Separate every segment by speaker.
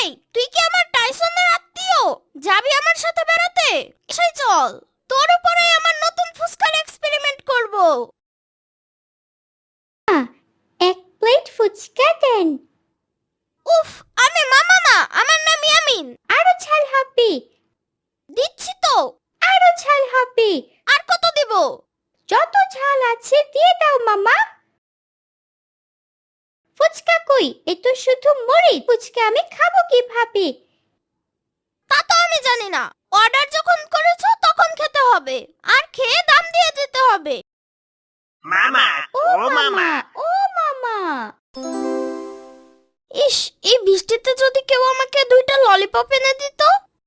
Speaker 1: তুই কি আমার টাইসনের আত্মীয়? যাবি আমার সাথে বেড়াতে? এসে চল, তোর উপরে আমার নতুন ফুসকার এক্সপেরিমেন্ট করব।
Speaker 2: এক প্লেট ফুচকা দেন।
Speaker 1: উফ, আমি মামা না, আমার নাম ইয়ামিন।
Speaker 2: আরো ঝাল হবে।
Speaker 1: দিচ্ছি তো।
Speaker 2: আরো ঝাল হবে।
Speaker 1: আর কত দেব?
Speaker 2: যত ঝাল আছে দিয়ে দাও মামা। ফুচকা কই? এ তো শুধু মরিচ। ফুচকা আমি খাবো কিভাবে?
Speaker 1: তা তো আমি জানি না। অর্ডার যখন করেছো তখন খেতে হবে, আর খেয়ে দাম দিয়ে যেতে হবে।
Speaker 3: মামা,
Speaker 2: ও
Speaker 3: ও মামা,
Speaker 2: ও মামা।
Speaker 1: ইস, এই বৃষ্টিতে যদি কেউ আমাকে 2টা ললিপপ এনে দিত।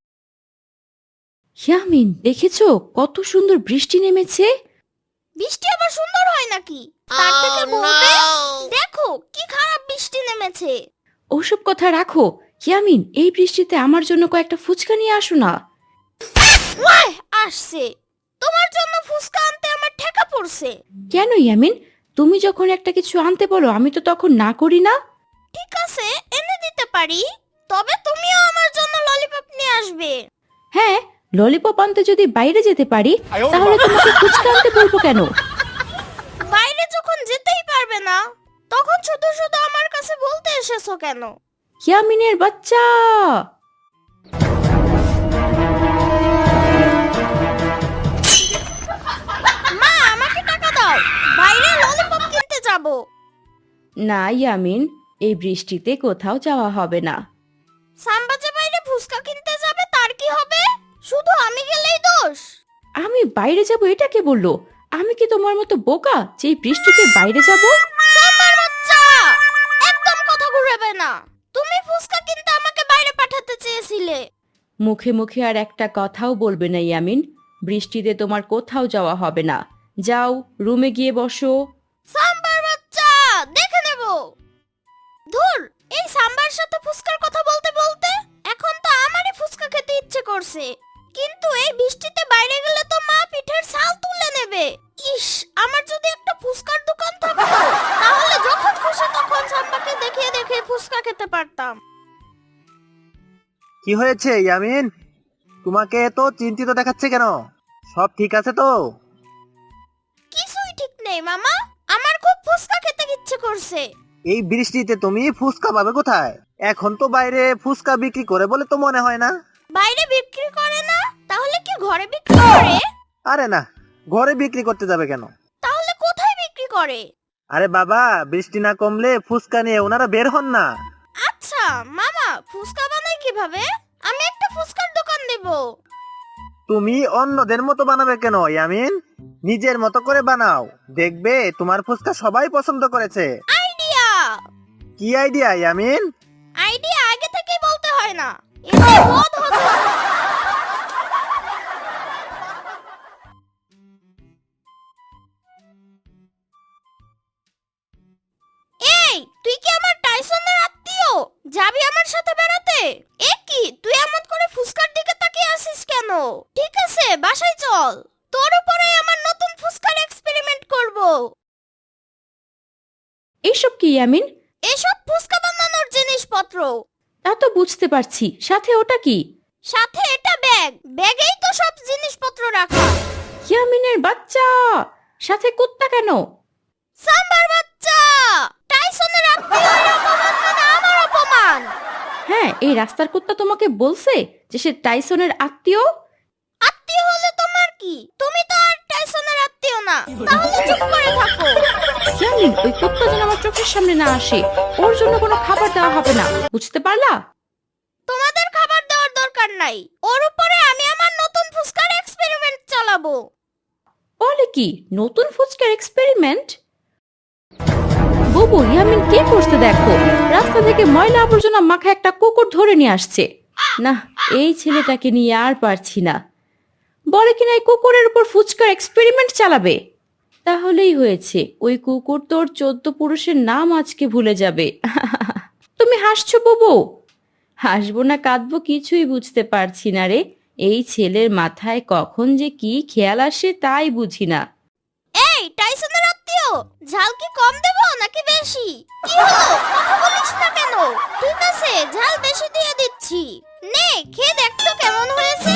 Speaker 4: ইয়ামিন, দেখেছো কত সুন্দর বৃষ্টি নেমেছে?
Speaker 1: বৃষ্টি আবার সুন্দর হয় নাকি? তার থেকে বলবে দেখো কি খারাপ বৃষ্টি নেমেছে।
Speaker 4: ওসব কথা রাখো। ইয়ামিন, এই বৃষ্টিতে আমার জন্য কয়েকটা ফুচকা নিয়ে আসো না।
Speaker 1: ওয়াই আসছে, তোমার জন্য ফুসকা আনতে আমার ঠেকা পড়ছে।
Speaker 4: কেন ইয়ামিন? তুমি যখন একটা কিছু আনতে বলো আমি তো তখন না করি না।
Speaker 1: ঠিক আছে, এনে দিতে পারি, তবে তুমিও আমার জন্য ললিপপ নিয়ে আসবে।
Speaker 4: হ্যাঁ, ললিপপ আনতে যদি বাইরে যেতে পারি তাহলে তোমাকে ফুচকা আনতে বলবো কেন?
Speaker 1: বাইরে যখন যেতেই পারবে না, তখন শুধু শুধু আমার কাছে বলতে এসেছো কেন?
Speaker 4: ইয়ামিনের বাচ্চা!
Speaker 1: মা, আমাকে টাকা দাও, বাইরে ললিপপ কিনতে যাব।
Speaker 4: না ইয়ামিন, এই বৃষ্টিতে কোথাও যাওয়া হবে না।
Speaker 1: সাম্বাজে বাইরে ফুসকা কিনতে যাবে, তার কি হবে? শুধু আমি গেলেই দোষ?
Speaker 4: আমি বাইরে যাব এটা কে বললো? আমি কি তোমার মতো বোকা যে এই বৃষ্টিতে বাইরে যাব?
Speaker 1: সাম্বার বাচ্চা, একদম কথা ঘুরাবে না। তুমি ফুসকা কিনতে আমাকে বাইরে পাঠাতে চেয়েছিলে।
Speaker 4: মুখে মুখে আর একটা কথাও বলবে না ইয়ামিন। বৃষ্টিতে তোমার কোথাও যাওয়া হবে না। যাও, রুমে গিয়ে বসো।
Speaker 1: সাম্বার বাচ্চা, দেখে নেব। ধুর, এই সাম্বার সাথে ফুসকার কথা বলতে বলতে এখন তো আমারই ফুসকা খেতে ইচ্ছে করছে। কিন্তু এই বৃষ্টিতে বাইরে গেলে তো মা পিঠের ছাল তুলে নেবে। ইস, আমার যদি একটা ফুসকার দোকান থাকতো, তাহলে যখন খুশি তখন সাম্বাকে দেখিয়ে দেখিয়ে ফুসকা খেতে পারতাম।
Speaker 3: কি হয়েছে ইয়ামিন? তোমাকে তো চিন্তিত দেখাচ্ছে কেন? সব ঠিক আছে তো?
Speaker 1: কিছুই ঠিক নেই মামা, আমার খুব ফুসকা খেতে ইচ্ছে করছে।
Speaker 3: এই বৃষ্টিতে তুমি ফুচকা পাবে কোথায়? এখন তো বাইরে ফুচকা বিক্রি করে বলে তো মনে হয় না।
Speaker 1: বাইরে বিক্রি করে না? তাহলে কি ঘরে বিক্রি করে?
Speaker 3: আরে না, ঘরে বিক্রি করতে যাবে কেন?
Speaker 1: তাহলে কোথায় বিক্রি করে?
Speaker 3: আরে বাবা, বৃষ্টি না কমলে ফুচকা নিয়ে ওনারা বের হন না।
Speaker 1: আচ্ছা মামা, ফুসকা বানাই কিভাবে? আমি একটা ফুসকার দোকান দেব।
Speaker 3: তুমি অন্যদের মতো বানাবে কেন ইয়ামিন? নিজের মতো করে বানাও, দেখবে তোমার ফুচকা সবাই পছন্দ করেছে।
Speaker 1: আইডিয়া!
Speaker 3: কি আইডিয়া ইয়ামিন?
Speaker 1: আইডিয়া আগে থেকেই বলতে হয় না, এতে বোধ হজম হয়। এই, তুই কি আমার টাইসনের আত্মীয়? যাবি আমার সাথে বেড়াতে? এ কি, তুই এমন করে ফুসকার দিকে তাকিয়ে আছিস কেন? ঠিক আছে, বাসায় চল, তোর উপরে আমার নতুন ফুসকার এক্সপেরিমেন্ট করব।
Speaker 4: এইসব কি ইয়ামিন?
Speaker 1: এসব ফুসকা বানানোর জিনিসপত্র।
Speaker 4: তা তো বুঝতে পারছি, সাথে ওটা কি?
Speaker 1: সাথে এটা ব্যাগ, ব্যাগেই তো সব জিনিসপত্র রাখা।
Speaker 4: ইয়ামিনের বাচ্চা! সাথে কুত্তা কেন?
Speaker 1: সাম্বার বাচ্চা, টাইসনের আত্মীয়ের অপমান মানে আমার অপমান।
Speaker 4: হ্যাঁ, এই রাস্তার কুত্তা তোমাকে বলছে যে সে টাইসনের আত্মীয়?
Speaker 1: আত্মীয় হলে তোমার কি? তুমি তো আর টাইসনের আত্মীয় না, তাহলে চুপ করে থাকো।
Speaker 4: ইয়ামিন, ওই কুত্তা যেন আমার চোখের সামনে না আসে। ওর জন্য কোনো খাবার দেওয়া হবে না, বুঝতে পারলা?
Speaker 1: তোমাদের খাবার দেওয়ার দরকার নাই, ওর উপরে আমি আমার নতুন ফুসকার এক্সপেরিমেন্ট চালাবো।
Speaker 4: বলে কি, নতুন ফুচকার এক্সপেরিমেন্ট? বুবু, ইয়ামিন কে করছে দেখো। রাস্তা থেকে ময়লা আবর্জনা মাখা একটা কুকুর ধরে নিয়ে আসছে। না, এই ছেলেটাকে নিয়ে আর পারছি না। বলে কিনা এই কুকুরের উপর ফুচকার এক্সপেরিমেন্ট চালাবে। তাহলেই হয়েছে, ওই কুকুর তোর 14 পুরুষের নাম আজকে ভুলে যাবে। তুমি হাসছো বুবু? হাসবো না কাঁদবো কিছুই বুঝতে পারছি না রে। এই ছেলের মাথায় কখন যে কি খেয়াল আসে তাই বুঝি না।
Speaker 1: এই টাইসনের আত্মীয়, ঝাল কি কম দেবো নাকি বেশি? কি হলো, কথা বলিস না কেন? ঠিক আছে, ঝাল বেশি দিয়ে দিচ্ছি। নে খেয়ে দেখ তো কেমন হয়েছে।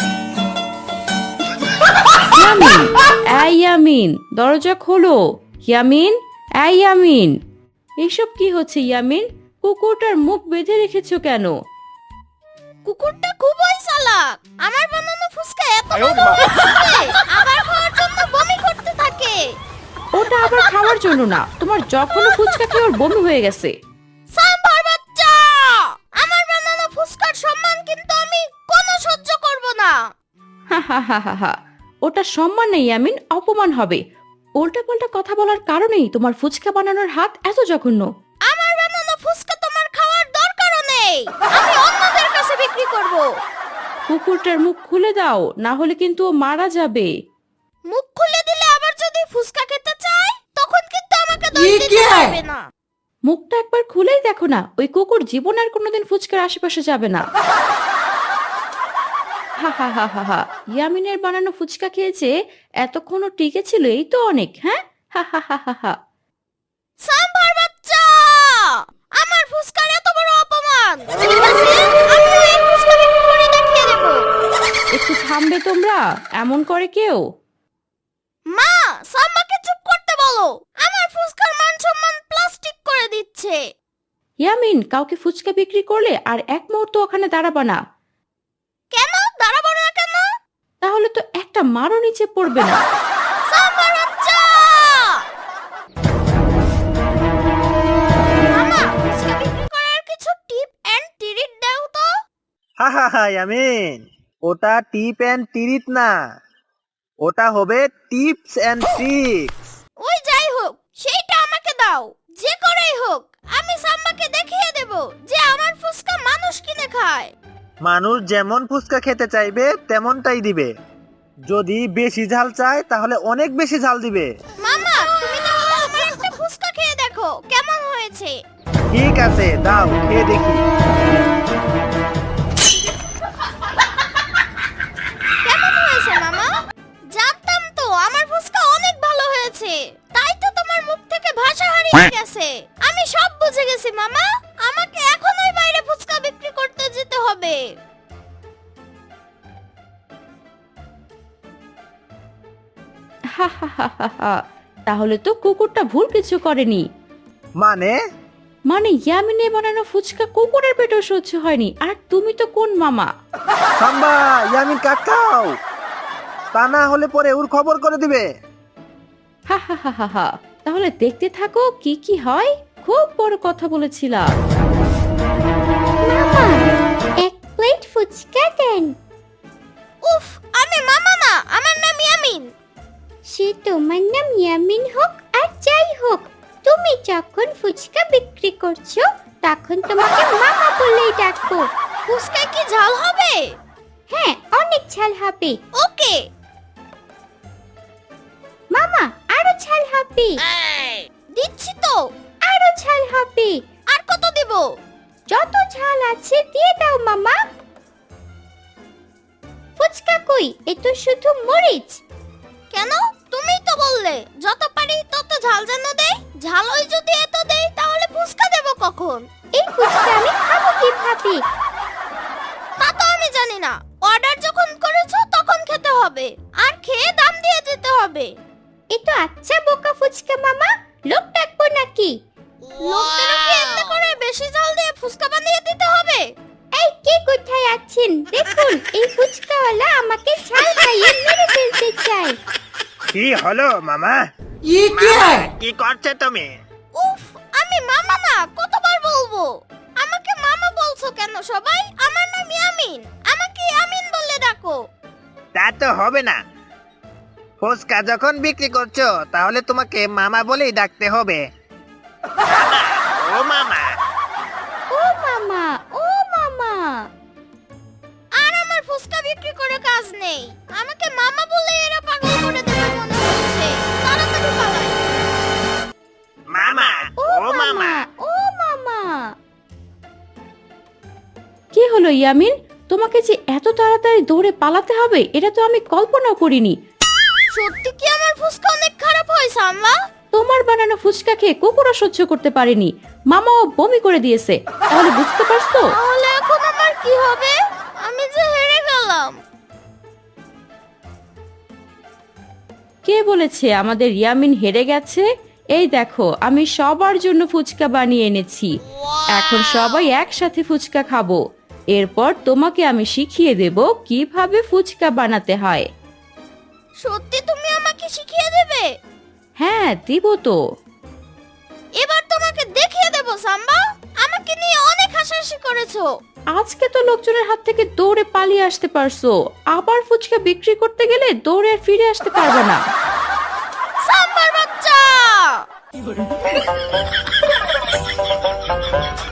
Speaker 4: ইয়ামিন, এই ইয়ামিন, দরজা খোলো। ইয়ামিন, এই ইয়ামিন, এসব কি হচ্ছে ইয়ামিন? কুকুরটার মুখ বেঁধে রেখেছো কেন?
Speaker 1: কুকুরটা খুবই চালাক। আমার বানানো ফুচকা এত মজা হয়েছে, আবার খাওয়ার জন্য বমি করতে থাকে।
Speaker 4: ওটা আবার খাওয়ার জন্য না, তোমার যখনও ফুচকা খেয়ে ওর বমি হয়ে গেছে।
Speaker 1: সাম্বার বাচ্চা, আমার বানানো ফুচকার সম্মান কিন্তু আমি কোনো সহ্য করব না।
Speaker 4: হা হা হা হা হা, ওটা সম্মান নেই ইয়ামিন, অপমান হবে। উল্টাপাল্টা কথা বলার কারণেই তোমার ফুচকা বানানোর হাত এত জঘন্য।
Speaker 1: আমার বানানো ফুচকা তোমার খাওয়ার দরকারও নেই, আমি অন্যদের কাছে বিক্রি করব।
Speaker 4: কুকুরটার মুখ খুলে দাও, না হলে কিন্তু ও মারা যাবে।
Speaker 1: মুখ খুলে দিলে আবার যদি ফুচকা খেতে চায় তখন কিন্তু আমাকে দোষ দিতে পারবে না।
Speaker 4: মুখটা একবার খুলেই দেখো না, ওই কুকুর জীবন আর কোনোদিন ফুচকার আশেপাশে যাবে না। হা হা হা হা হা, ইয়ামিনের বানানো ফুচকা খেয়েছে, এতক্ষণও টিকে ছিল, এই তো অনেক। হ্যাঁ, হা হা হা হা হা।
Speaker 1: সাম্বার বাচ্চা, আমার ফুচকার এত বড় অপমান। ঠিক আছে, আমি এই ফুচকা বিক্রি করে দেখিয়ে দেব।
Speaker 4: একটু থামবে তোমরা? এমন করে কেউ?
Speaker 1: মা, সাম্বাকে চুপ করতে বলো, আমার ফুচকার মান সম্মান প্লাস্টিক করে দিচ্ছে।
Speaker 4: ইয়ামিন, কাউকে ফুচকা বিক্রি করলে আর এক মুহূর্ত ওখানে দাঁড়াবা না।
Speaker 1: কেন দাঁড়াবো না কেন?
Speaker 4: তাহলে তো একটা মারও নিচে পড়বে না।
Speaker 1: সাম্বার বাচ্চা, মামা ফুচকা বিক্রি করার কিছু টিপ এন্ড ট্রিক দাও তো।
Speaker 3: হা হা হা ইয়ামিন, ওটা টিপ অ্যান্ড ট্রিট না, ওটা হবে টিপস অ্যান্ড ট্রিক্স।
Speaker 1: ওই যাই হোক, সেইটা আমাকে দাও। যে করেই হোক, আমি সাম্বাকে দেখিয়ে দেব যে আমার ফুচকা মানুষ কিনে খায়।
Speaker 3: মানুষ যেমন ফুচকা খেতে চাইবে তেমনটাই দিবে। যদি বেশি ঝাল চায় তাহলে অনেক বেশি ঝাল দিবে।
Speaker 1: মামা, তুমি তাহলে আমার একটা ফুচকা খেয়ে দেখো কেমন হয়েছে।
Speaker 3: ঠিক আছে, দাও খেয়ে দেখি।
Speaker 1: কেমন হয়েছে মামা? জানতাম তো আমার ফুচকা অনেক ভালো হয়েছে, তাই তো তোমার মুখ থেকে ভাষা হারিয়ে গেছে। আমি সব বুঝে গেছি মামা, আমাকে এখনই বাইরে ফুচকা বিক্রি করতে যেতে হবে।
Speaker 4: হা হা হা হা হা, তাহলে তো কুকুরটা ভুল কিছু করেনি।
Speaker 3: মানে
Speaker 4: মানে ইয়ামিনে বানানো ফুচকা কুকুরের পেটেও সহ্য হয়নি, আর তুমি তো কোন মামা?
Speaker 3: সাম্বা, ইয়ামিন কাকাও, তা না হলে পরে ওর খবর করে দিবে।
Speaker 4: হা হা হা হা হা, তাহলে দেখতে থাকো কি কি হয়। খুব বড় কথা বলেছিলাম।
Speaker 2: মামা, এক প্লেট ফুচকা দেন।
Speaker 1: উফ, আমি মামা না, আমার নাম ইয়ামিন।
Speaker 2: সে তোমার নাম ইয়ামিন হোক আর যাই হোক, তুমি যখন ফুচকা বিক্রি করছো তখন তোমাকে মামা বলেই ডাকবো।
Speaker 1: ফুচকা কি ঝাল হবে?
Speaker 2: হ্যাঁ, অনেক ঝাল হবে।
Speaker 1: ওকে।
Speaker 2: মামা, আরো ঝাল হবে।
Speaker 1: দিচ্ছি তো।
Speaker 2: আরো ঝাল হবে।
Speaker 1: আর কত দিব?
Speaker 2: যত ঝাল আছে দিয়ে দাও মামা। ফুচকা কই? এ তো শুধু মরিচ।
Speaker 1: কেন? তুমিই তো বললে যত পারি তত ঝাল যেন দেই। ঝালই যদি এত দেই তাহলে ফুচকা দেব কখন?
Speaker 2: এই ফুচকা আমি খাবো কিভাবে?
Speaker 1: তা তো আমি জানি না। অর্ডার যখন করেছো তখন খেতে হবে, আর খেয়ে দাম দিয়ে যেতে হবে।
Speaker 2: এ তো আচ্ছা বোকা ফুচকা মামা, লোক ডাকবো নাকি?
Speaker 1: লোকদেরও কি এতে করে বেশি ঝাল দিয়ে ফুচকা বানিয়ে দিতে হবে?
Speaker 2: এই কে কোথায় আছেন? দেখুন, এই ফুচকাওয়ালা আমাকে ঝাল খাইয়ে মেরে ফেলতে চায়।
Speaker 3: কি হলো মামা? কি করছে তুমি?
Speaker 1: উফ, আমি মামা না, কতবার বলবো? আমাকে মামা বলছো কেন সবাই? আমার নাম ইয়ামিন, আমাকে ইয়ামিন বলে ডাকো।
Speaker 3: তা তো হবে না। ফুচকা যখন বিক্রি করছো তাহলে তোমাকে মামা বলেই ডাকতে হবে। ও মামা,
Speaker 2: ও মামা, ও মামা।
Speaker 1: আর আমার ফুচকা বিক্রি করে কাজ নেই, আমাকে মামা বলে এরা পাগল করে দেবে মনে হচ্ছে। তাড়াতাড়ি পালাই।
Speaker 3: মামা,
Speaker 2: ও
Speaker 3: ও মামা।
Speaker 2: ও মামা।
Speaker 4: কি হলো ইয়ামিন, তোমাকে যে এত তাড়াতাড়ি দৌড়ে পালাতে হবে এটা তো আমি কল্পনাও করিনি।
Speaker 1: সত্যি কি আমার ফুচকা অনেক খারাপ হয়েছে আম্মা?
Speaker 4: তোমার বানানো ফুচকা খেয়ে কুকুরও সহ্য করতে পারেনি, মামাও বমি করে দিয়েছে। তাহলে বুঝতে পারছো?
Speaker 1: তাহলে এখন আমার কি হবে? আমি যে হেরে গেলাম।
Speaker 4: কে বলেছে আমাদের ইয়ামিন হেরে গেছে? এই দেখো, আমি সবার জন্য ফুচকা বানিয়ে এনেছি। এখন সবাই একসাথে ফুচকা খাবো। এরপর তোমাকে আমি শিখিয়ে দেব কিভাবে ফুচকা বানাতে হয়।
Speaker 1: সত্যি তুমি আমাকে শিখিয়ে দেবে?
Speaker 4: হ্যাঁ, দিব তো।
Speaker 1: এবার তোমাকে দেখিয়ে দেব সাম্বা। আমাকে নিয়ে অনেক হাসাহাসি করেছো।
Speaker 4: আজকে তো লোকজনের হাত থেকে দৌড়ে পালিয়ে আসতে পারছো, আবার ফুচকা বিক্রি করতে গেলে দৌড়ে আর ফিরে আসতে পারবে না।
Speaker 1: সাম্বার বাচ্চা!